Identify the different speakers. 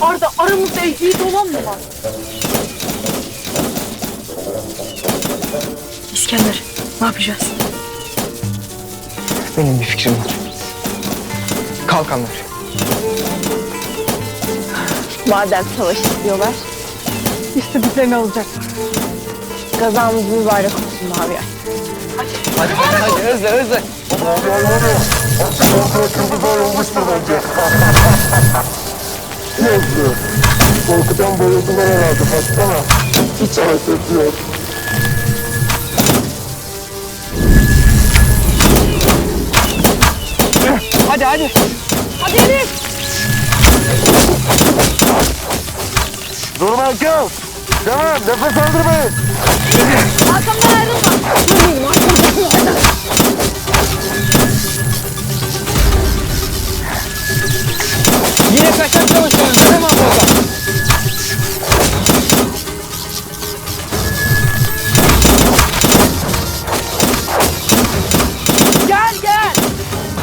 Speaker 1: Arda, aramızda ehliyet olan mı var?
Speaker 2: İskender, ne yapacağız?
Speaker 3: Benim bir fikrim var. Kalkanlar.
Speaker 4: Madem savaş istiyorlar,
Speaker 1: İşte bizlerini alacaklar.
Speaker 4: kazamız mübarek olsun Mavi Ay.
Speaker 3: Hadi hızlı.
Speaker 5: Korkudan bayıldılar herhalde, baksana. Hiç hareket yok.
Speaker 3: Hadi.
Speaker 1: Hadi Elif!
Speaker 5: Durma Hakan. Devam, nefes aldırmayın.
Speaker 1: Arkamdan ayrılma!
Speaker 3: Yine kaçak savaşı.